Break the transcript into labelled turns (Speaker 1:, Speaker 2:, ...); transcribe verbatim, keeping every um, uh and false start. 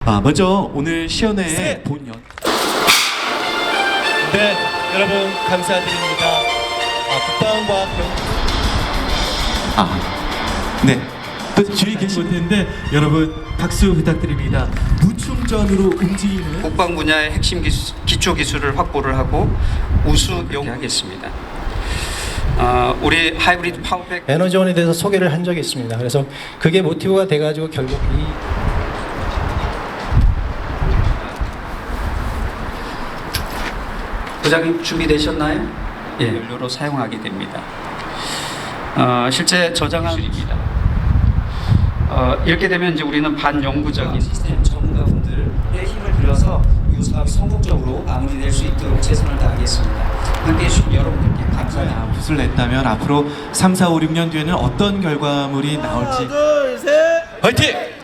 Speaker 1: 아, 먼저 오늘 시연회의
Speaker 2: 셋.
Speaker 1: 본연.
Speaker 2: 네, 여러분 감사드립니다. 아, 국방과학병
Speaker 1: 아, 네. 또 주위 계신
Speaker 2: 못했는데 여러분 박수 부탁드립니다. 무충전으로 움직이는
Speaker 3: 국방 분야의 핵심 기수, 기초 기술을 확보를 하고 우수 연구하겠습니다. 어, 우리 하이브리드 파워팩
Speaker 4: 에너지원에 대해서 소개를 한 적이 있습니다. 그래서 그게 모티브가 돼가지고 결국 이
Speaker 3: 부장님 준비되셨나요? 예, 연료로 사용하게 됩니다. 어, 실제 저장한 어, 이렇게 되면 이제 우리는 반영구적인 시스템 전문가분들의 힘을 빌려서 이 사업이 성공적으로 마무리될 수 있도록 최선을 다하겠습니다. 함께해 주신 여러분들께 감사합니다.
Speaker 1: 붓을 냈다면 앞으로 삼, 사, 오, 육 년 뒤에는 어떤 결과물이 나올지
Speaker 2: 화이팅!